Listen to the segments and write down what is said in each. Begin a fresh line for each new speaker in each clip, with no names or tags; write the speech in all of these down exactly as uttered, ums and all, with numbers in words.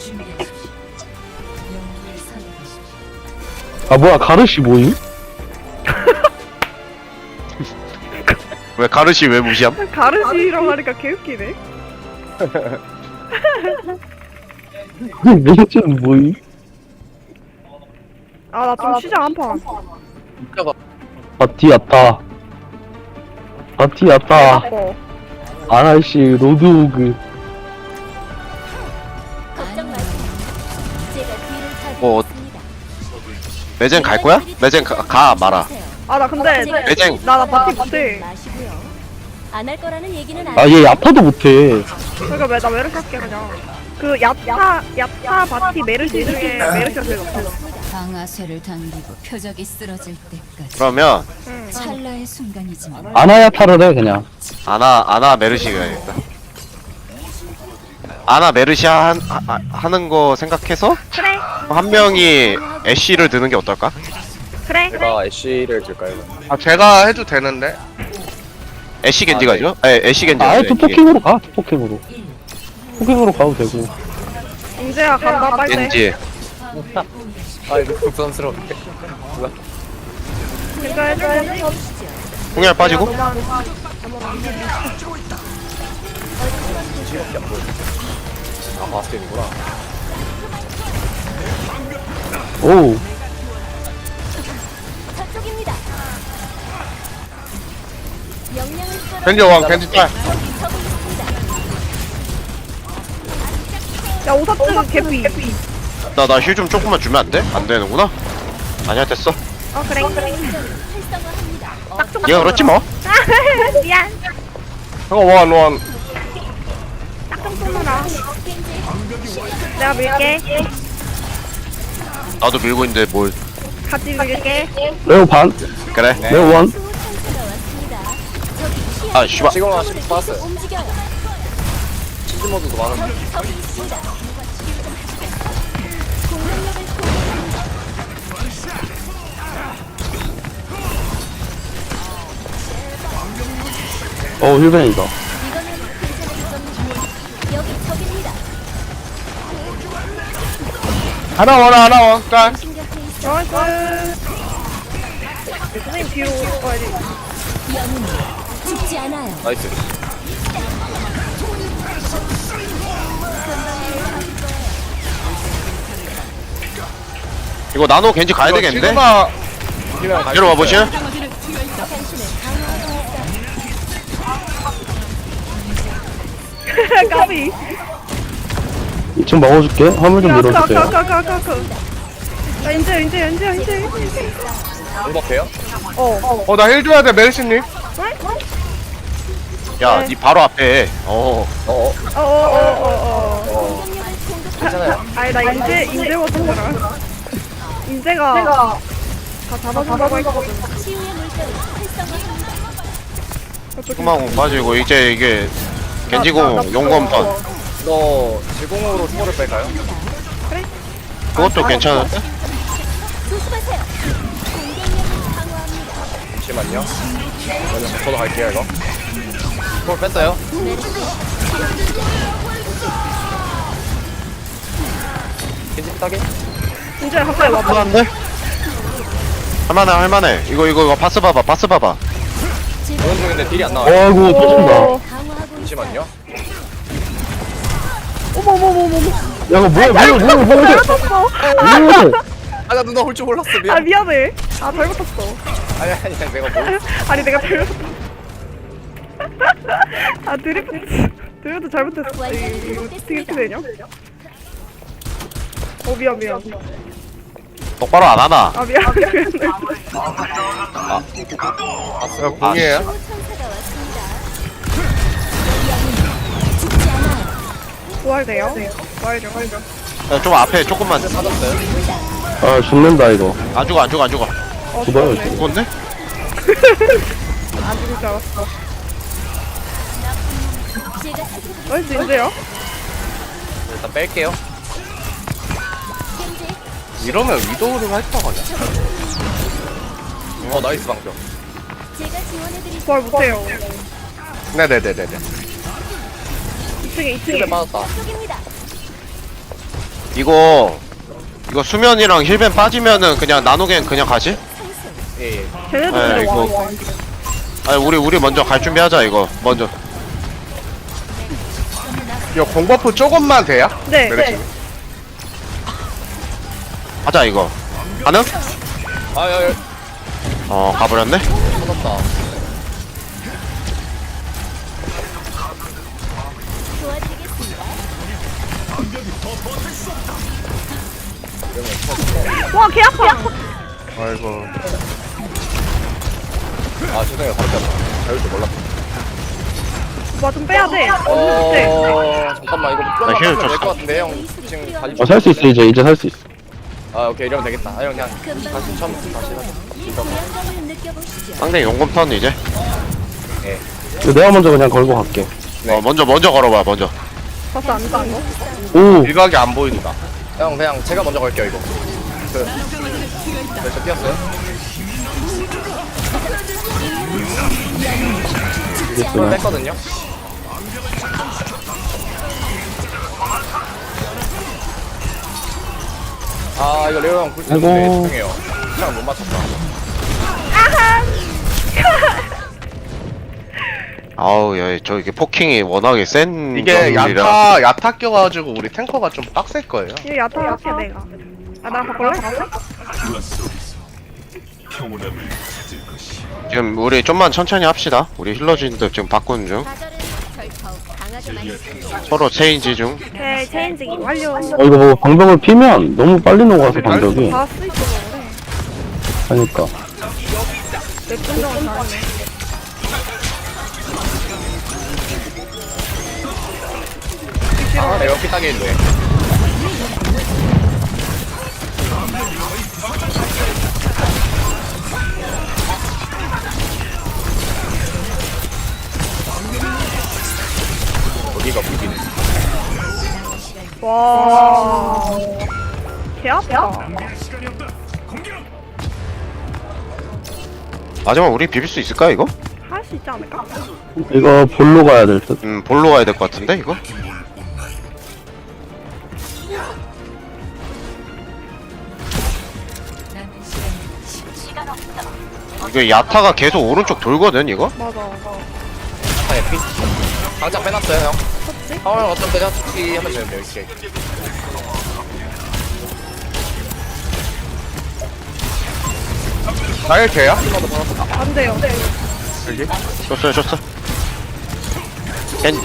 아 뭐야 가르시 뭐임?
왜 가르시 왜 무시함?
가르시라고 하니까 개웃기네.
메이저는 뭐임?
아 나 좀 쉬자 한 판.
바티아타 바티아타
어.
아라시 로드오그
걱정 마세요. 제가 뒤를 타고
뭐,
있습니다.
매젠 갈 거야? 매젠 가, 가 마라.
아 나 근데
매쟁.
나나 바티 못해.
안 할 거라는 얘기는 안
아 얘 야타도 못해.
그러니까 왜나 메르시 할게 그냥. 그 야타 야타 바티 메르시 중에 메르시가 제일 높아.
방아쇠를 당기고 표적이 쓰러질 때까지
그러면
응.
찰나의 순간이지만
아나야타를 해 그냥.
아나 아나 메르시 가야겠다. 아나 메르시 한, 하, 하는 거 생각해서
그래
한 명이 애쉬를 드는 게 어떨까?
그래.
제가 애쉬를 들까요?
아 제가 해도 되는데.
애쉬 겐지
아, 네.
가죠? 네, 애쉬 겐지.
아예
가죠, 애쉬.
투포킹으로 가 투포킹으로. 포킹으로 가도 되고.
인재야 간다 빨리.
겐지.
아 이거 부담스러운데.
진짜 해줘야지.
홍열 빠지고.
아 바스켓이구나.
오
저쪽입니다. 명령을 따라
겐지 왕 겐지 딸.
적이 서고 있습니다.
야 오사츠 개피.
나 나 힐 좀 조금만 주면 안 돼? 안 되는구나. 아니야 됐어.
어 그래 그래.
활성화합니다.
딱좀
얘가 그렇지 뭐.
미안.
형아 원 원.
딱좀 쏘느라. 내가 밀게.
나도 밀고 있는데 뭘.
같이 밀게.
레오 반
그래.
레오 원.
수호 천사가 왔습니다. 적이
아 씨발.
지금 하나씩 봤어요.
움직여요.
치즈 모드도 많은데.
적이 있습니다. 공격력을 공유합니다.
어 힐벤이다.
이거는 괜찮을 겁니다. 여기 적입니다.
하나 원 하나 원 딸.
신경돼 있어.
나이스. 선생님 뒤로 가야지.
영웅은 죽지 않아요.
나이스.
이거 나노 겐지 가야
이거
되겠는데?
지금아
그냥 갈
이리
수
와보실?
있어요.
당신을 강화하고 있어.
까비.
이 층 먹어줄게. 화물 좀 밀어주세요.
가가가가가. 야 인재 인재 인재 인재.
행복해요?
어.
어 나 힐 줘야 돼 메르시님.
야, 니 바로 앞에. 어.
어어.
어어어어.
어.
공격력을 공급.
괜찮아요.
아니 나 인재 인재 못한 거라. 인재가 다 잡아준다고 했거든.
치유의 물결을 활성화합니다.
흑마공 빠지고 이제 이게 겐지공 용검 턴.
이거 제공으로 초월을 뺄까요?
그것도 괜찮은데?
조심하세요. 공격력을 강화합니다.
잠시만요. 저는 저도 갈게요 이거. 초월 뺐어요. 겐지 따게.
인재 갑자기 와봐.
할만한데? 할만해 할만해. 이거 이거 이거 바스 봐봐 바스 봐봐.
보는 중인데 딜이 안 나와요.
어이구 터진다.
어.
강화하고 있어요.
잠시만요.
어머머머머머.
야 이거 뭐야 뭐야 뭐야 뭐야
잘못했어.
뭐야.
아 나 누나 올 줄 몰랐어.
아
미안.
미안해. 아 잘못했어.
아니 아니 아니, 내가 뭐.
아니 내가 잘못했어. 아 드리프트 드리프트 잘못했어. 이거 어떻게 이렇게 되냐? 어 미안 미안.
똑바로 안 하나?
아 미안 미안.
아,
야 공이에요.
수호 천사가 왔습니다. 영웅은 죽지 않아요.
부활돼요? 부활죠 부활죠.
야, 좀 앞에 조금만.
찾았어요.
아 죽는다 이거.
안 죽어 안 죽어 안 죽어.
어
죽어요.
죽었네.
죽었네?
안 죽을 줄 알았어.
제가 살펴볼게요.
나이스 인재요?
일단 뺄게요.
현재
이러면 위도우를 할 거거든.
어 나이스 방벽.
제가 지원해드릴
부활 못해요.
네네네네네.
이 층에 이
힐에
층에.
빠졌다.
쪽입니다.
이거 이거 수면이랑 힐벤 빠지면은 그냥 나노겐 그냥 가지?
예, 예.
쟤네도
네,
근데 와,
이거-
와.
아니 우리 우리 먼저 갈 준비하자 이거 먼저.
이거 공버프 조금만 돼요?
네.
메르시님.
하자 이거. 가능?
아, 야, 야,
어 가버렸네.
터졌다.
도와드리겠습니다.
와, 개 아파.
아이고.
아, 죄송해요. 바로 뺐다. 배울 줄 몰랐다.
와, 좀 빼야 돼. 언니 돼.
어, 잠깐만, 이거
나
좀만
힐
하면
줬어.
될것 같은데, 형. 지금 달리
어, 살 수 있어, 이제. 이제 살 수 있어.
아, 오케이, 이러면 되겠다. 아, 형, 그냥
금방
다시 처음부터 다시 하자.
이 고향감을 느껴보시죠.
상대 용검 턴 이제.
이거 내가 먼저 그냥 걸고 갈게.
네.
어 먼저 먼저 걸어봐 먼저.
벌써 안 딴 거?
오!
일각이 안 보인다.
형, 그냥 제가 먼저 걸게요, 이거. 그, 네, 저 뛰었어요.
이겼어.
이걸 뺐거든요. 아, 이거 레오 형 굴
아이고.
쏘는데 죄송해요. 시간 못 맞췄다.
아우 야저 이게 포킹이 워낙에 센
이게
정글이라.
야타 야타 껴가지고 우리 탱커가 좀 빡셀 거예요.
이거 야타 할게, 내가. 아, 나 바꿀래?
지금 우리 좀만 천천히 합시다. 우리 힐러진들 지금 바꾸는 중.
가절은 절 더욱 강하게 만듭니다.
서로 체인지 중.
오케이, 체인지 완료.
어, 이거 뭐 방벽을 피면 너무 빨리 녹아서 방벽이.
다 쓰 있어, 그래.
하니까.
내 분정은 잘하네.
아, 네, 이렇게 따겠는데. 여기가 비비네.
와. 개 아파.
마지막 우리 비빌 수 있을까 이거?
할 수 있지 않을까?
이거 볼로 가야 될 듯.
음 볼로 가야 될 것 같은데 이거? 이거 야타가 계속 오른쪽 돌거든 이거?
맞아, 맞아.
아, 예, 피. 당장 빼놨어요, 형. 상황 어떤 때냐? 특히 하면 되는데, 이렇게.
나일 개야?
안 돼요.
여기?
줬어요 줬어. 겐.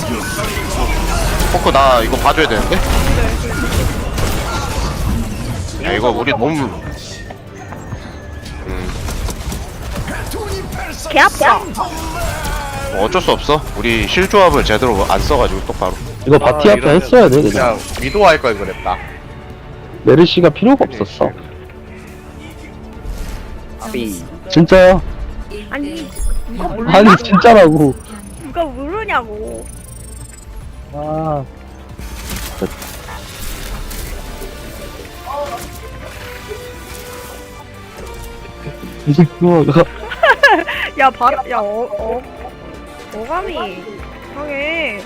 포크 나 이거 봐줘야 되는데? 야 이거 우리 너무. 음
개 아파.
뭐 어쩔 수 없어. 우리 실 조합을 제대로 안 써가지고 똑바로.
이거 바티 앞에
이러면
했어야 돼, 그냥.
그냥 위도 할 걸 그랬다.
메르시가 필요가 없었어.
삐.
진짜야.
아니, 누가 몰라?
아니, 진짜라고.
누가 모르냐고.
아. 이제 그거가.
야, 바, 야, 어, 어. 어감이 이상해.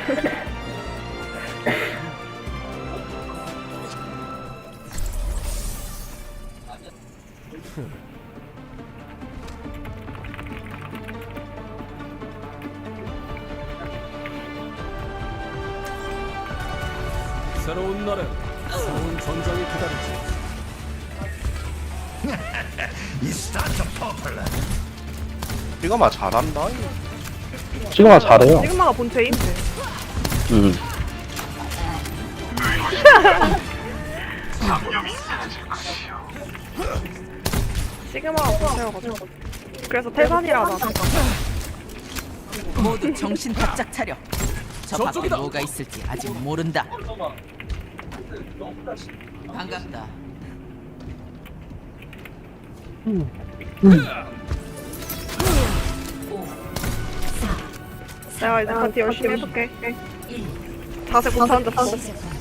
새로운 날엔 새로운 전장이 기다리지.
이거만 잘한다.
시그마 잘해요.
시그마가 본체임?
음.
시그마가 본체여가지고. 그래서 태산이라 나.
모두 정신 바짝 차려. 저 밖에
저쪽이다.
뭐가 있을지 아직 모른다. 반갑다.
내가 이제 파티 열심히 해볼게. 자세 못 앉았어.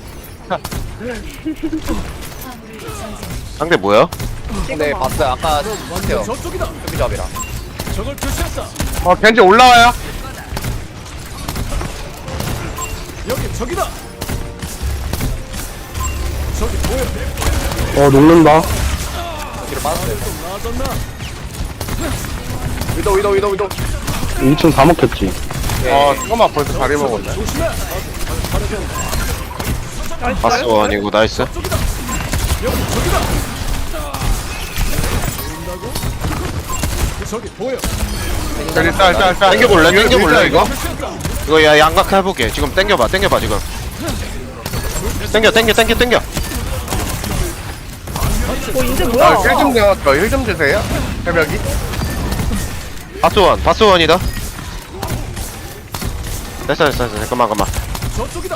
상대 뭐야?
근데 봤어요. 아까 봤어요.
저쪽이다.
수비 조합이랑.
적을 표시했다.
어 겐지 올라와요.
여기 적이다.
어 녹는다.
뒤로 빠졌어요.
나아졌나?
위도 위도 위도 위도.
이 층 다 먹혔지.
어 잠깐만 벌써 다리 먹었네.
조심해.
나이스.
바스원이고 나이스.
여기 저기다. 보인다고? 저기 보여.
저기 짤짤짤.
땡겨볼래? 땡겨볼래 이거?
표시했다.
이거 야 양각 해볼게. 지금 땡겨봐 땡겨봐 지금. 땡겨 땡겨 땡겨 땡겨.
어 인제 뭐야?
힐좀 내왔어. 힐좀 주세요. 새벽이.
바스원 바스원이다. 됐어 됐어 됐어 잠깐만 잠깐만.
저쪽이다.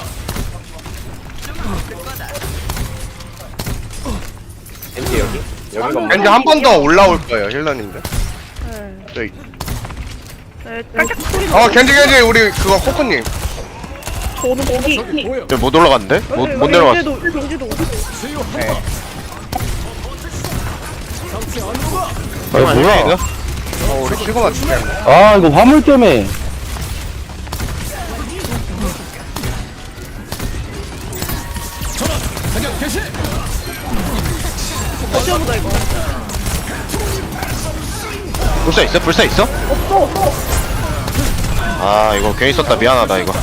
겐지 여기. 여기가
겐지 한 번 더 올라올 거예요 힐러님들.
네.
저기.
네, 깔짝 소리
어 겐지 겐지 우리 그거 코코님.
저는 거기.
저기 보여.
저못 올라갔는데? 못, 못 내려갔어.
인제도 인제도
치유 한
네.
방. 상체 안으로 가.
아 뭐야?
어 우리 시그마 죽겠네.
아 이거 화물 때문에.
사격 개시.
어쩌보다 이거.
불사 있어? 불사 있어?
없어 없어.
아 이거 괜히 썼다 미안하다 이거.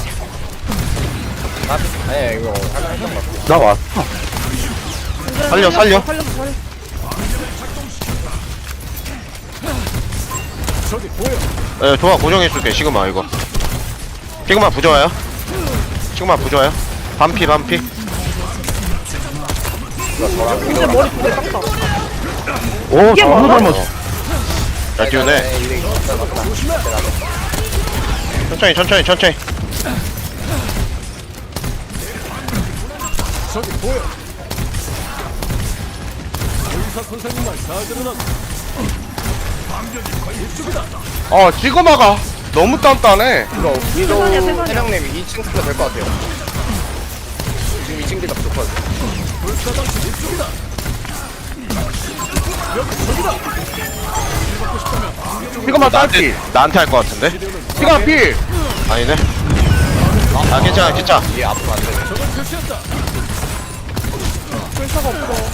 아니 이거 하나 했던 거.
나 왔어.
살려, 살려.
살려 살려.
저기 보여.
에 좋아 고정해줄게 시그마 이거. 시그마 부좋아요. 시그마 부좋아요. 반피 반피.
인제 머리 두개 깎다.
오
이게
너무
뭐야?
잘 맞았어.
잘 띄우네.
네, 이게 있어 맞다.
천천히 천천히 천천히.
저기 보여. 의사 선생님 말 잘 들으나? 이쪽이다.
어 시그마가 너무 단단해.
이거 위도
세상이야, 세상이야.
해령님 이 층 스킬 될것 같아요. 지금 이 층 딜가 부족하거든.
불사장치 이쪽이다. 여기 저기다.
시그마 딸피.
나한테 할 것 같은데?
시그마 필.
아니네. 아 괜찮아 괜찮아.
얘 앞으로 안 돼.
저걸 표시했다.
불사가 없어.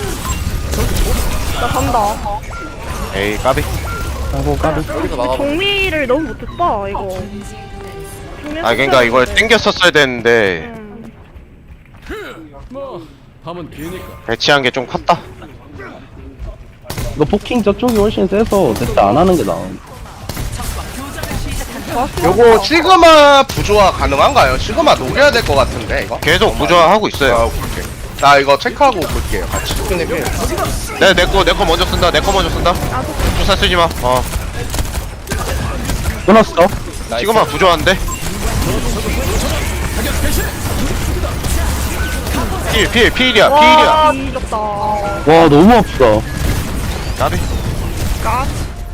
나 간다.
에이 까비.
아이고 까비.
여기서 막아.
정리를 너무 못했다 이거.
아 그러니까 이걸 땡겼었어야 되는데
음.
뭐 밤은 기니까.
배치한 게 좀 컸다.
이거 포킹 저쪽이 훨씬 세서 대체 안 하는 게 나아.
요거 시그마 부조화 가능한가요? 시그마 녹여야 될 것 같은데 이거.
계속 부조화하고
아,
있어요.
오케이. 나 이거 체크하고 볼게요 같이.
근데 필.
내 내거 내 거 먼저 쓴다. 내 거 먼저 쓴다. 불사 쓰지 마. 어.
끊었어.
시그마 부조화인데. 필, 필, 필이야, 필이야.
와 미쳤다.
와 너무 아프다.
나비.
까.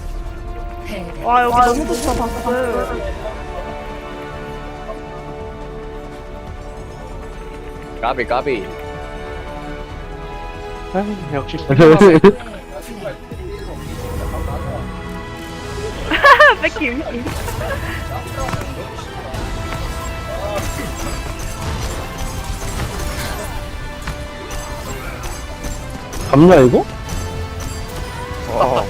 와 여기 너무 좋다 바스.
까비 까비.
역시
뺏김.
잡냐 이거?
어.